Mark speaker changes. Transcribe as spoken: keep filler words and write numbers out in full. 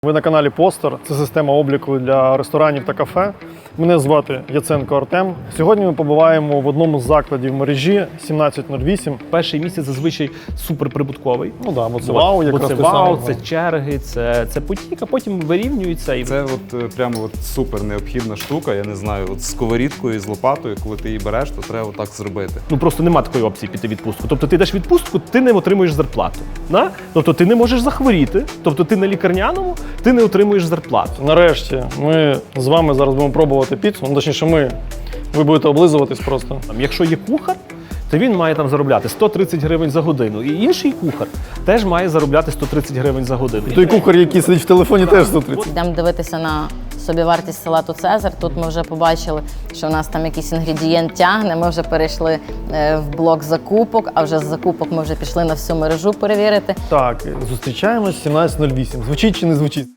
Speaker 1: Ви на каналі Постер. Це система обліку для ресторанів та кафе. Мене звати Яценко Артем. Сьогодні ми побуваємо в одному з закладів мережі сімнадцять нуль вісім.
Speaker 2: Перший місяць зазвичай суперприбутковий.
Speaker 1: Ну да, бо це
Speaker 2: Бо-
Speaker 1: вау,
Speaker 2: бо
Speaker 1: якраз
Speaker 2: це
Speaker 1: ти
Speaker 2: вау,
Speaker 1: сам.
Speaker 2: це черги, це, це потік, а потім вирівнюється. І...
Speaker 3: Це от е, прямо от супер необхідна штука. Я не знаю, от з сковорідкою і з лопатою, коли ти її береш, то треба отак зробити.
Speaker 2: Ну просто нема такої опції піти в відпустку. Тобто ти йдеш в відпустку, ти не отримуєш зарплату. Да? Тобто ти не можеш захворіти, тобто ти на лікарняному, ти не отримуєш зарплату.
Speaker 1: Нарешті ми з вами зараз будемо пробувати піцу. Ну, точніше, ми. Ви будете облизуватись просто.
Speaker 2: Там, якщо є кухар, то він має там заробляти сто тридцять гривень за годину. І інший кухар теж має заробляти сто тридцять гривень за годину.
Speaker 1: І той кухар, який сидить в телефоні, теж сто тридцять.
Speaker 4: Йдемо дивитися на собівартість салату Цезар. Тут ми вже побачили, що у нас там якийсь інгредієнт тягне. Ми вже перейшли е, в блок закупок, а вже з закупок ми вже пішли на всю мережу перевірити.
Speaker 1: Так, зустрічаємось сімнадцять нуль вісім. Звучить чи не звучить?